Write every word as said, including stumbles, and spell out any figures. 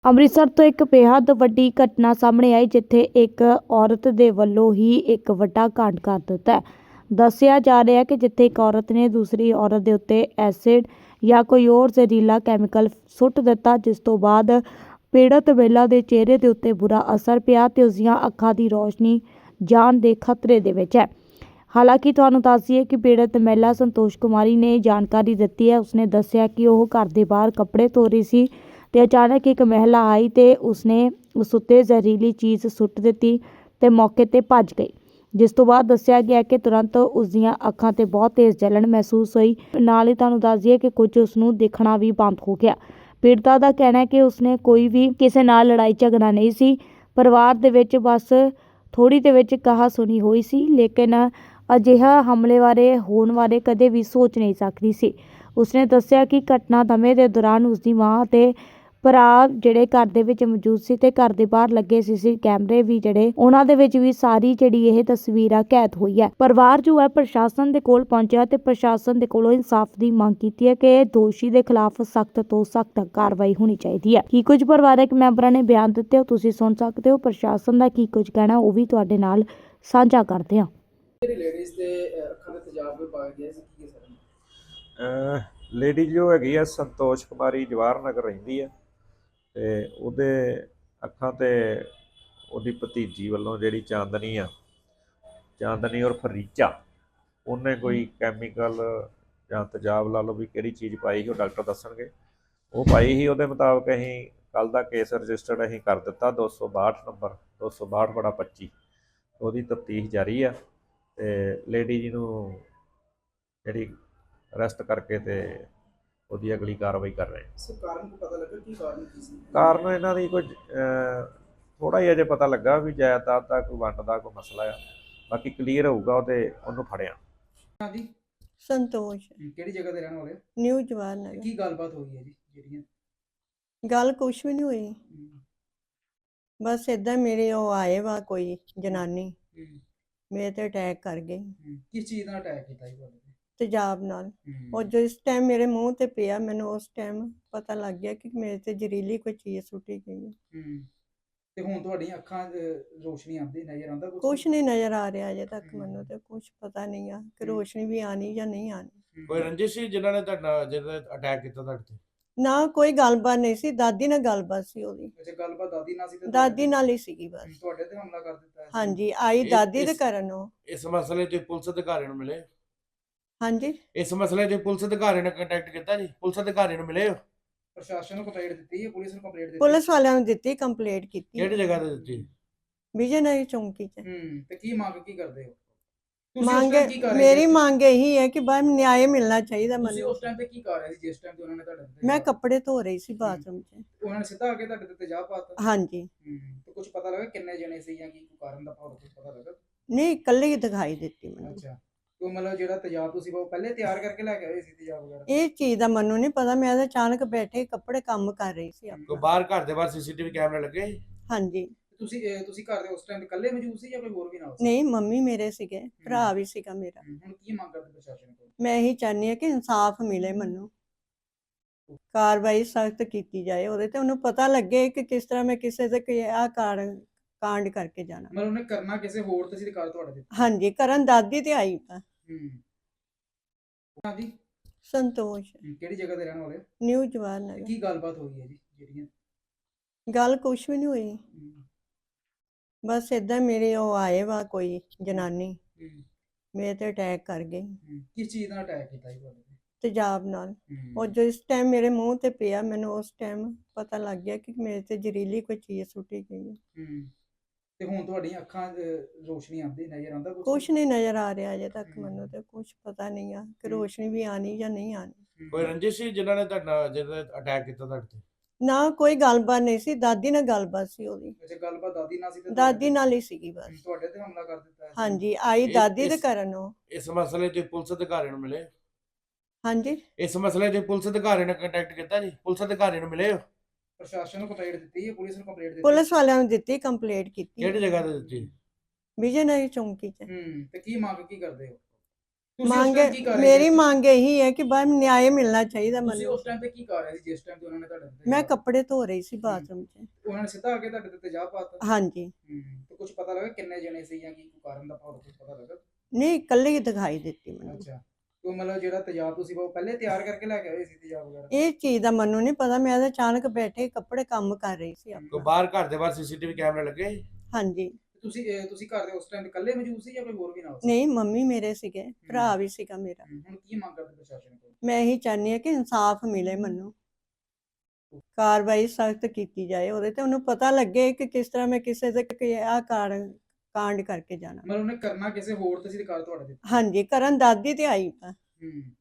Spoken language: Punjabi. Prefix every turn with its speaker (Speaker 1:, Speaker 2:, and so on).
Speaker 1: ਅੰਮ੍ਰਿਤਸਰ ਤੋਂ ਇੱਕ ਬੇहद ਵੱਡੀ ਘਟਨਾ ਸਾਹਮਣੇ ਆਈ, ਜਿੱਥੇ ਇੱਕ ਔਰਤ ਦੇ ਵੱਲੋਂ ਹੀ ਇੱਕ ਵੱਡਾ ਕਾਂਡ ਕਰ ਦਿੱਤਾ ਹੈ। ਦੱਸਿਆ ਜਾ ਰਿਹਾ ਹੈ ਕਿ ਜਿੱਥੇ ਇੱਕ ਔਰਤ ਨੇ ਦੂਸਰੀ ਔਰਤ ਦੇ ਉੱਤੇ ਐਸਿਡ ਜਾਂ ਕੋਈ ਹੋਰ ਜ਼ਹਿਰੀਲਾ ਕੈਮੀਕਲ ਸੁੱਟ ਦਿੱਤਾ, ਜਿਸ ਤੋਂ ਬਾਅਦ ਪੀੜਤ ਮਹਿਲਾ ਦੇ ਚਿਹਰੇ ਦੇ ਉੱਤੇ ਬੁਰਾ ਅਸਰ ਪਿਆ ਤੇ ਉਸ ਦੀਆਂ ਅੱਖਾਂ ਦੀ ਰੋਸ਼ਨੀ ਜਾਣ ਦੇ ਖਤਰੇ ਦੇ ਵਿੱਚ ਹੈ। ਹਾਲਾਂਕਿ ਤੁਹਾਨੂੰ ਦੱਸ ਦਈਏ ਕਿ ਪੀੜਤ ਮਹਿਲਾ ਸੰਤੋਸ਼ ਕੁਮਾਰੀ ਨੇ ਜਾਣਕਾਰੀ ਦਿੱਤੀ ਹੈ। ਉਸਨੇ ਦੱਸਿਆ ਕਿ ਉਹ ਘਰ ਦੇ ਬਾਹਰ ਕੱਪੜੇ ਧੋ ਰਹੀ ਸੀ ਤੇ ਅਚਾਨਕ ਇੱਕ ਮਹਿਲਾ ਆਈ ਤੇ ਉਸਨੇ ਉਸ ਉੱਤੇ ਜ਼ਹਿਰੀਲੀ ਚੀਜ਼ ਸੁੱਟ ਦਿੱਤੀ ਤੇ ਮੌਕੇ ਤੇ ਭੱਜ ਗਈ, ਜਿਸ ਤੋਂ ਬਾਅਦ ਦੱਸਿਆ ਗਿਆ ਕਿ ਤੁਰੰਤ ਉਸ ਦੀਆਂ ਅੱਖਾਂ ਤੇ ਬਹੁਤ ਤੇਜ਼ ਜਲਨ ਮਹਿਸੂਸ ਹੋਈ। ਨਾਲ ਹੀ ਤੁਹਾਨੂੰ ਦੱਸ ਦਈਏ ਕਿ ਕੁਝ ਉਸ ਨੂੰ ਦਿਖਣਾ ਵੀ ਬੰਦ ਹੋ ਗਿਆ। ਪੀੜਤਾ ਦਾ ਕਹਿਣਾ ਹੈ ਕਿ ਉਸਨੇ ਕੋਈ ਵੀ ਕਿਸੇ ਨਾਲ ਲੜਾਈ ਝਗੜਾ ਨਹੀਂ ਸੀ, ਪਰਿਵਾਰ ਦੇ ਵਿੱਚ ਬਸ ਥੋੜੀ ਦੇ ਵਿੱਚ ਕਹਾ ਸੁਣੀ ਹੋਈ ਸੀ, ਲੇਕਿਨ ਅਜਿਹਾ ਹਮਲੇ ਬਾਰੇ ਹੋਣ ਬਾਰੇ ਕਦੇ ਵੀ ਸੋਚ ਨਹੀਂ ਸਕਦੀ ਸੀ। ਉਸਨੇ ਦੱਸਿਆ ਕਿ ਘਟਨਾ ਸਮੇਂ ਦੇ ਦੌਰਾਨ ਉਸਦੀ ਮਾਂ ਤੇ ਭਰਾ ਜਿਹੜੇ ਘਰ ਦੇ ਵਿੱਚ ਮੌਜੂਦ ਸੀ ਤੇ ਘਰ ਦੇ ਬਾਹਰ ਲੱਗੇ ਸੀਸੀ ਕੈਮਰੇ ਵੀ ਜਿਹੜੇ ਉਹਨਾਂ ਦੇ ਵਿੱਚ ਵੀ ਸਾਰੀ ਜਿਹੜੀ ਇਹ ਤਸਵੀਰਾਂ ਕੈਦ ਹੋਈ ਹੈ। ਪਰਿਵਾਰ ਜੋ ਹੈ ਪ੍ਰਸ਼ਾਸਨ ਦੇ ਕੋਲ ਪਹੁੰਚਿਆ ਤੇ ਪ੍ਰਸ਼ਾਸਨ ਦੇ ਕੋਲੋਂ ਇਨਸਾਫ ਦੀ ਮੰਗ ਕੀਤੀ ਹੈ ਕਿ ਦੋਸ਼ੀ ਦੇ ਖਿਲਾਫ ਸਖਤ ਤੋਂ ਸਖਤ ਕਾਰਵਾਈ ਹੋਣੀ ਚਾਹੀਦੀ ਹੈ। ਕੀ ਕੁਝ ਪਰਿਵਾਰਕ ਮੈਂਬਰਾਂ ਨੇ ਬਿਆਨ ਦਿੱਤੇ ਹੋ ਤੁਸੀਂ ਸੁਣ ਸਕਦੇ ਹੋ। ਪ੍ਰਸ਼ਾਸਨ ਦਾ ਕੀ ਕੁਝ ਕਹਿਣਾ ਉਹ ਵੀ ਤੁਹਾਡੇ ਨਾਲ ਸਾਂਝਾ ਕਰਦੇ ਹਾਂ।
Speaker 2: ਲੇਡੀਜ਼ ਦੇ ਅੱਖਾਂ ਦੇ ਤੇਜ਼ਾਬ ਵੀ ਪਾ ਗਿਆ ਸੀ ਕੀ ਸਰ?
Speaker 3: ਲੇਡੀ ਜੋ ਹੈਗੀ ਆ ਸੰਤੋਸ਼ ਕੁਮਾਰੀ ਜਵਾਹਰ ਨਗਰ ਰਹਿੰਦੀ ਆ ਤੇ ਉਹਦੇ ਅੱਖਾਂ ਤੇ ਉਹਦੀ ਭਤੀਜੀ ਵੱਲੋਂ ਜਿਹੜੀ ਚਾਂਦਨੀ ਆ ਚਾਂਦਨੀ ਔਰ ਫਰੀਚਾ ਉਹਨੇ ਕੋਈ ਕੈਮੀਕਲ ਜਾਂ ਤੇਜ਼ਾਬ ਲਾ ਲਓ ਵੀ ਕਿਹੜੀ ਚੀਜ਼ ਪਾਈ ਸੀ ਉਹ ਡਾਕਟਰ ਦੱਸਣਗੇ। ਉਹ ਪਾਈ ਸੀ, ਉਹਦੇ ਮੁਤਾਬਕ ਅਸੀਂ ਕੱਲ ਦਾ ਕੇਸ ਰਜਿਸਟਰਡ ਅਸੀਂ ਕਰ ਦਿੱਤਾ ਦੋ ਸੌ ਬਾਹਠ ਨੰਬਰ ਦੋ ਸੌ ਬਾਹਠ ਬੜਾ ਪੱਚੀ। ਉਹਦੀ ਤਫਤੀਸ਼ ਜਾਰੀ ਆ ਤੇ ਲੇਡੀ ਜੀ ਨੂੰ ਜਿਹੜੀ ਅਰੈਸਟ ਕਰਕੇ ਤੇ ਉਹਦੀ ਅਗਲੀ ਕਾਰਵਾਈ ਕਰ ਰਹੇ।
Speaker 2: ਸਰ ਕਾਰਨ ਕੋ ਪਤਾ ਲੱਗਾ ਕੀ ਕਾਰਨ ਕੀ ਸੀ?
Speaker 3: ਕਾਰਨ ਇਹਨਾਂ ਦੀ ਕੁਝ ਥੋੜਾ ਹੀ ਅਜੇ ਪਤਾ ਲੱਗਾ ਵੀ ਜਾਇਦਾਦ ਦਾ ਕੋਈ ਵੰਡ ਦਾ ਕੋਈ ਮਸਲਾ ਆ, ਬਾਕੀ ਕਲੀਅਰ ਹੋਊਗਾ ਉਹਦੇ ਉਹਨੂੰ ਫੜਿਆ।
Speaker 2: ਹਾਂਜੀ
Speaker 4: ਸੰਤੋਸ਼
Speaker 2: ਕਿਹੜੀ ਜਗ੍ਹਾ ਤੇ ਰਹਿਣ ਵਾਲੇ?
Speaker 4: ਨਿਊ ਜਵਾਹਰ ਨਗਰ।
Speaker 2: ਕੀ ਗੱਲਬਾਤ ਹੋਈ ਹੈ ਜੀ ਜਿਹੜੀਆਂ?
Speaker 4: ਗੱਲ ਕੁਛ ਵੀ ਨਹੀਂ ਹੋਈ, ਬਸ ਇਦਾਂ ਮੇਰੇ ਉਹ ਆਏ ਵਾ ਕੋਈ ਜਨਾਨੀ ਮੇਰੇ ਤੇ ਅਟੈਕ ਕਰ ਗਈ।
Speaker 2: ਕਿਸ ਚੀਜ਼ ਨਾਲ ਅਟੈਕ ਕੀਤਾ ਜੀ ਤੁਹਾਡੇ ਤੇ?
Speaker 4: ਤੇਜ਼ਾਬ ਨਾਲ। ਉਹ ਜਿਸ ਟਾਈਮ ਮੇਰੇ ਮੂੰਹ ਤੇ ਪਿਆ ਮੈਨੂੰ ਉਸ ਟਾਈਮ ਪਤਾ ਲੱਗ ਗਿਆ ਕਿ ਮੇਰੇ ਤੇ ਜ਼ਹਿਰੀਲੀ ਕੋਈ ਚੀਜ਼ ਸੁੱਟੀ ਗਈ ਹੈ।
Speaker 2: ਤੇ ਹੁਣ ਤੁਹਾਡੀਆਂ ਅੱਖਾਂ ਰੋਸ਼ਨੀ ਆਉਂਦੀ ਨਜ਼ਰ ਆਉਂਦਾ ਕੁਝ?
Speaker 4: ਕੁਛ ਨਹੀਂ ਨਜ਼ਰ ਆ ਰਿਹਾ ਅਜੇ ਤੱਕ ਮੈਨੂੰ ਤੇ ਕੁਛ ਪਤਾ ਨਹੀਂ ਆ ਕਿ ਰੋਸ਼ਨੀ ਵੀ ਆਣੀ ਜਾਂ ਨਹੀਂ ਆਣੀ।
Speaker 5: ਕੋਈ ਰੰਜਿਸ਼ ਸੀ ਜਿਨ੍ਹਾਂ ਨੇ ਤੁਹਾਡਾ ਜਿਹੜਾ ਅਟੈਕ ਕੀਤਾ ਤੁਹਾਡੇ ਤੇ?
Speaker 4: ਨਾ ਕੋਈ ਗੱਲਬਾਤ ਨਹੀਂ ਸੀ, ਦਾਦੀ ਨਾਲ ਗੱਲਬਾਤ ਸੀ ਉਹਦੀ।
Speaker 2: ਅੱਛਾ ਗੱਲਬਾਤ ਦਾਦੀ ਨਾਲ ਸੀ ਤੇ
Speaker 4: ਦਾਦੀ ਨਾਲ ਹੀ ਸੀਗੀ ਬਸ।
Speaker 2: ਤੁਹਾਡੇ ਤੇ ਹਮਲਾ ਕਰ ਦਿੱਤਾ?
Speaker 4: ਹਾਂਜੀ ਆਈ ਦਾਦੀ ਦੇ ਕਰਨ ਉਹ।
Speaker 5: ਇਸ ਮਸਲੇ ਤੇ ਪੁਲਿਸ ਅਧਿਕਾਰੀ ਨੂੰ ਮਿਲੇ?
Speaker 4: ਹਾਂਜੀ
Speaker 5: ਇਸ ਮਸਲੇ ਤੇ ਪੁਲਿਸ ਅਧਿਕਾਰੀ ਨਾਲ ਕੰਟੈਕਟ ਕੀਤਾ ਜੀ? ਪੁਲਿਸ ਅਧਿਕਾਰੀ ਨੂੰ ਮਿਲੇ ਹੋ?
Speaker 2: ਪ੍ਰਸ਼ਾਸਨ ਨੂੰ ਕੰਪਲੇਂਟ ਦਿੱਤੀ ਹੈ? ਪੁਲਿਸ ਨੂੰ ਕੰਪਲੇਂਟ ਦਿੱਤੀ?
Speaker 4: ਪੁਲਿਸ ਵਾਲਿਆਂ ਨੂੰ ਦਿੱਤੀ, ਕੰਪਲੇਂਟ ਕੀਤੀ।
Speaker 5: ਕਿਹੜੀ ਜਗ੍ਹਾ ਤੇ ਦਿੱਤੀ?
Speaker 4: ਵਿਜੇ ਨਗਰ ਚੌਂਕੀ ਚ।
Speaker 2: ਹੂੰ ਤੇ ਕੀ ਮੰਗ ਕੀ ਕਰਦੇ ਹੋ?
Speaker 4: ਮੰਗ ਮੇਰੀ ਮੰਗ ਇਹੀ ਹੈ ਕਿ ਬਾਹਰ ਨਿਆਂ ਮਿਲਣਾ ਚਾਹੀਦਾ
Speaker 2: ਤੁਸੀਂ
Speaker 4: ਮੈਨੂੰ।
Speaker 2: ਉਸ ਟਾਈਮ ਤੇ ਕੀ ਕਰ ਰਹੇ ਸੀ ਜਿਸ ਟਾਈਮ ਤੇ ਉਹਨਾਂ ਨੇ ਤੁਹਾਡੇ ਤੇ?
Speaker 4: ਮੈਂ ਕੱਪੜੇ ਧੋ ਰਹੀ ਸੀ ਬਾਥਰੂਮ 'ਚ।
Speaker 2: ਉਹਨਾਂ ਨੇ ਸਿੱਧਾ ਆ ਕੇ ਤੁਹਾਡੇ ਤੇ ਤੇਜ਼ਾਬ ਪਾਤਾ?
Speaker 4: ਹਾਂਜੀ।
Speaker 2: ਹੂੰ ਤੇ ਕੁਝ ਪਤਾ ਲੱਗਾ ਕਿੰਨੇ ਜਣੇ ਸੀ ਜਾਂ ਕੀ ਕਾਰਨ ਦਾ ਕੁਝ ਪਤਾ ਲੱਗਾ?
Speaker 4: ਨਹੀਂ ਇਕੱਲੀ ਦਿਖਾਈ ਦਿੱਤੀ ਮੈਨੂੰ।
Speaker 2: ਅੱਛਾ ਉਹ ਮਤਲਬ ਜਿਹੜਾ ਤੇਜ਼ਾਬ ਤੁਸੀਂ ਉਹ ਪਹਿਲੇ ਤਿਆਰ ਕਰਕੇ ਲੈ ਕੇ ਆਏ ਸੀ ਤੇਜ਼ਾਬ ਵਗੈਰਾ?
Speaker 4: ਇਹ ਚੀਜ਼ ਦਾ ਮੈਨੂੰ ਨਹੀਂ ਪਤਾ, ਮੈਂ ਤਾਂ ਅਚਾਨਕ ਬੈਠੇ ਕੱਪੜੇ ਕੰਮ ਕਰ ਰਹੀ ਸੀ
Speaker 5: ਕੋਈ
Speaker 4: ਆਪਣਾ।
Speaker 5: ਬਾਹਰ ਘਰ ਦੇ ਬਾਹਰ ਸੀਸੀਟੀਵੀ ਕੈਮਰੇ ਲੱਗੇ?
Speaker 4: ਹਾਂਜੀ।
Speaker 2: ਤੁਸੀਂ ਤੁਸੀਂ ਘਰ ਦੇ ਉਸ ਟਾਈਮ ਇਕੱਲੇ ਮੌਜੂਦ ਸੀ ਜਾਂ ਕੋਈ ਹੋਰ ਵੀ ਨਾਲ ਸੀ?
Speaker 4: ਨਹੀਂ ਮੰਮੀ ਮੇਰੇ ਸੀਗੇ, ਭਰਾ ਵੀ ਸੀਗਾ ਮੇਰਾ।
Speaker 2: ਹੁਣ ਕੀ ਮੰਗ ਕਰਦੇ ਪ੍ਰਸ਼ਾਸਨ ਕੋਲ?
Speaker 4: ਮੈਂ ਇਹੀ ਚਾਹੁੰਦੀ ਹਾਂ ਕਿ ਇਨਸਾਫ ਮਿਲੇ ਮੈਨੂੰ, ਕਾਰਵਾਈ ਸਖਤ ਕੀਤੀ ਜਾਏ ਉਹਦੇ ਤੇ, ਉਹਨੂੰ ਪਤਾ ਲੱਗੇ ਕਿ ਕਿਸ ਤਰ੍ਹਾਂ ਮੈਂ ਕਿਸੇ ਤੇ ਆਹ ਕਾਰਨ ਕਾਂਡ ਕਰਕੇ ਜਾਣਾ।
Speaker 2: ਮਤਲਬ ਉਹਨੇ ਕਰਨਾ ਕਿਸੇ ਹੋਰ ਤੇ ਸੀ ਤੇ ਕਰ ਤੁਹਾਡੇ ਤੇ?
Speaker 4: ਹਾਂਜੀ ਕਰਨ ਦਾਦੀ ਤੇ ਆਈ ਤਾਂ।
Speaker 2: ਹੂੰ ਹਾਂਜੀ
Speaker 4: ਸੰਤੋਸ਼
Speaker 2: ਕਿਹੜੀ ਜਗ੍ਹਾ ਤੇ ਰਹਿਣ ਵਾਲੇ?
Speaker 4: ਨਿਊ ਜਵਾਹਰ ਨਗਰ।
Speaker 2: ਕੀ ਗੱਲਬਾਤ ਹੋਈ ਹੈ ਜੀ ਜਿਹੜੀਆਂ?
Speaker 4: ਗੱਲ ਕੁਛ ਵੀ ਨਹੀਂ ਹੋਈ, ਬਸ ਇਦਾਂ ਮੇਰੇ ਉਹ ਆਏ ਵਾ ਕੋਈ ਜਨਾਨੀ ਮੇਰੇ ਤੇ ਅਟੈਕ ਕਰ ਗਈ।
Speaker 2: ਕਿਸ ਚੀਜ਼ ਨਾਲ ਅਟੈਕ ਕੀਤਾ ਜੀ ਤੁਹਾਡੇ ਤੇ?
Speaker 4: ਤੇਜ਼ਾਬ ਨਾਲ। ਉਹ ਜਿਸ ਟਾਈਮ ਮੇਰੇ ਮੂੰਹ ਤੇ ਪਿਆ ਮੈਨੂੰ ਉਸ ਟਾਈਮ ਪਤਾ ਲੱਗ ਗਿਆ ਕਿ ਮੇਰੇ ਤੇ ਜ਼ਹਿਰੀਲੀ ਕੋਈ ਚੀਜ਼ ਸੁੱਟੀ ਗਈ ਹੈ।
Speaker 2: ਤੇ ਹੁਣ ਤੁਹਾਡੀਆਂ ਅੱਖਾਂ ਰੋਸ਼ਨੀ ਆਉਂਦੀ ਨਜ਼ਰ ਆਉਂਦਾ ਕੁਝ?
Speaker 4: ਕੁਛ ਨਹੀਂ ਨਜ਼ਰ ਆ ਰਿਹਾ ਅਜੇ ਤੱਕ ਮੈਨੂੰ ਤੇ ਕੁਛ ਪਤਾ ਨਹੀਂ ਆ ਕਿ ਰੋਸ਼ਨੀ ਵੀ ਆਣੀ ਜਾਂ ਨਹੀਂ ਆਣੀ।
Speaker 5: ਕੋਈ ਰੰਜਿਸ਼ ਸੀ ਜਿਨ੍ਹਾਂ ਨੇ ਤੁਹਾਡਾ ਜਿਹੜਾ ਅਟੈਕ ਕੀਤਾ ਤੁਹਾਡੇ ਤੇ?
Speaker 4: ਨਾ ਕੋਈ ਗੱਲਬਾਤ ਨਹੀਂ ਸੀ, ਦਾਦੀ ਨਾਲ ਗੱਲਬਾਤ ਸੀ ਉਹਦੀ।
Speaker 2: ਅੱਛਾ ਗੱਲਬਾਤ ਦਾਦੀ ਨਾਲ ਸੀ ਤੇ
Speaker 4: ਦਾਦੀ ਨਾਲ ਹੀ ਸੀਗੀ ਬਸ।
Speaker 2: ਤੁਹਾਡੇ ਤੇ ਹਮਲਾ ਕਰ ਦਿੱਤਾ?
Speaker 4: ਹਾਂਜੀ ਆਈ ਦਾਦੀ ਦੇ ਕਰਨ ਉਹ।
Speaker 5: ਇਸ ਮਸਲੇ ਤੇ ਪੁਲਿਸ ਅਧਿਕਾਰੀ ਨੂੰ ਮਿਲੇ?
Speaker 4: ਹਾਂਜੀ।
Speaker 5: ਇਸ ਮਸਲੇ ਤੇ ਪੁਲਿਸ ਅਧਿਕਾਰੀ ਨਾਲ ਕੰਟੈਕਟ ਕੀਤਾ ਜੀ? ਪੁਲਿਸ ਅਧਿਕਾਰੀ ਨੂੰ ਮਿਲੇ ਹੋ?
Speaker 2: ਪ੍ਰਸ਼ਾਸਨ ਨੂੰ ਕੰਪਲੇਂਟ ਦਿੱਤੀ ਹੈ? ਪੁਲਿਸ ਨੂੰ ਕੰਪਲੇਂਟ ਦਿੱਤੀ?
Speaker 4: ਪੁਲਿਸ ਵਾਲਿਆਂ ਨੂੰ ਦਿੱਤੀ, ਕੰਪਲੇਂਟ ਕੀਤੀ।
Speaker 5: ਕਿਹੜੀ ਜਗ੍ਹਾ ਤੇ ਦਿੱਤੀ?
Speaker 4: ਵਿਜੇ ਨਗਰ ਚੌਂਕੀ ਚ।
Speaker 2: ਹੂੰ ਤੇ ਕੀ ਮੰਗ ਕੀ ਕਰਦੇ ਹੋ? ਤੁਸੀਂ ਉਸ
Speaker 4: ਮੰਗ
Speaker 2: ਟਾਈਮ ਕੀ ਕਰ ਰਹੇ
Speaker 4: ਮੇਰੀ
Speaker 2: ਸੀ?
Speaker 4: ਮੰਗ ਇਹੀ ਹੈ ਕਿ ਬਸ ਨਿਆਂ ਮਿਲਣਾ ਚਾਹੀਦਾ
Speaker 2: ਤੁਸੀਂ
Speaker 4: ਮੈਨੂੰ।
Speaker 2: ਉਸ ਟਾਈਮ ਤੇ ਕੀ ਕਰ ਰਹੇ ਸੀ ਜਿਸ ਟਾਈਮ ਤੇ ਉਹਨਾਂ ਨੇ ਤੁਹਾਡੇ ਤੇ
Speaker 4: ਮੈਂ
Speaker 2: ਤੇਜ਼ਾਬ-
Speaker 4: ਕੱਪੜੇ ਧੋ ਰਹੀ ਸੀ ਬਾਥਰੂਮ 'ਚ।
Speaker 2: ਉਹਨਾਂ ਨੇ ਸਿੱਧਾ ਆ ਕੇ ਤੁਹਾਡੇ ਤੇ ਤੇਜ਼ਾਬ ਪਾਤਾ?
Speaker 4: ਹਾਂਜੀ।
Speaker 2: ਹੂੰ ਤੇ ਕੁਝ ਪਤਾ ਲੱਗਾ ਕਿੰਨੇ ਜਣੇ ਸੀ ਜਾਂ ਕੀ ਕੋਈ ਕਾਰਨ ਦਾ ਭਾਵ ਕੁਝ ਪਤਾ ਲੱਗਾ?
Speaker 4: ਨਹੀਂ, ਇਕੱਲੀ ਹੀ ਦਿਖਾਈ ਦਿੱਤੀ ਮੈਨੂੰ।
Speaker 2: ਅੱਛਾ, ਉਹ ਮਤਲਬ ਜਿਹੜਾ ਤੇਜ਼ਾਬ ਤੁਸੀਂ ਉਹ ਪਹਿਲੇ ਤਿਆਰ ਕਰਕੇ ਲੈ ਕੇ ਆਏ ਸੀ ਤੇਜ਼ਾਬ ਵਗੈਰਾ?
Speaker 4: ਇਹ ਚੀਜ਼ ਦਾ ਮੈਨੂੰ ਨਹੀਂ ਪਤਾ, ਮੈਂ ਤਾਂ ਅਚਾਨਕ ਬੈਠੇ ਕੱਪੜੇ ਕੰਮ ਕਰ ਰਹੀ ਸੀ
Speaker 5: ਕੋਈ
Speaker 4: ਆਪਣਾ।
Speaker 5: ਬਾਹਰ ਘਰ ਦੇ ਬਾਹਰ ਸੀਸੀਟੀਵੀ ਕੈਮਰੇ ਲੱਗੇ ਸੀ?
Speaker 4: ਹਾਂਜੀ।
Speaker 2: ਤੁਸੀਂ ਇਹ ਤੁਸੀਂ ਘਰ ਦੇ ਉਸ ਟਾਈਮ ਇਕੱਲੇ ਮੌਜੂਦ ਸੀ ਜਾਂ ਕੋਈ ਹੋਰ ਵੀ ਨਾਲ ਸੀ?
Speaker 4: ਨਹੀਂ, ਮੰਮੀ ਮੇਰੇ ਸੀਗੇ, ਭਰਾ ਵੀ ਸੀਗਾ ਮੇਰਾ।
Speaker 2: ਹੂੰ, ਹੁਣ ਕੀ ਮੰਗ ਕਰਦੇ ਪ੍ਰਸ਼ਾਸਨ ਕੋਲ?
Speaker 4: ਮੈਂ ਇਹੀ ਚਾਹੁੰਦੀ ਹਾਂ ਕਿ ਇਨਸਾਫ ਮਿਲੇ ਮੈਨੂੰ, ਕਾਰਵਾਈ ਸਖਤ ਕੀਤੀ ਜਾਏ ਉਹਦੇ ਤੇ, ਉਹਨੂੰ ਪਤਾ ਲੱਗੇ ਕਿ ਕਿਸ ਤਰ੍ਹਾਂ ਮੈਂ ਕਿਸੇ ਦੇ ਕਿ ਆਹ ਕਾਂਡ ਕਾਂਡ ਕਰਕੇ ਜਾਣਾ।
Speaker 2: ਮਤਲਬ ਉਹਨੇ ਕਰਨਾ ਕਿਸੇ ਹੋਰ ਤੇ ਸੀ ਤੇ ਕਰ ਤੁਹਾਡੇ ਤੇ?
Speaker 4: ਹਾਂਜੀ, ਕਰਨ ਦਾਦੀ ਤੇ ਆਈ ਤਾਂ।
Speaker 2: ਹੂੰ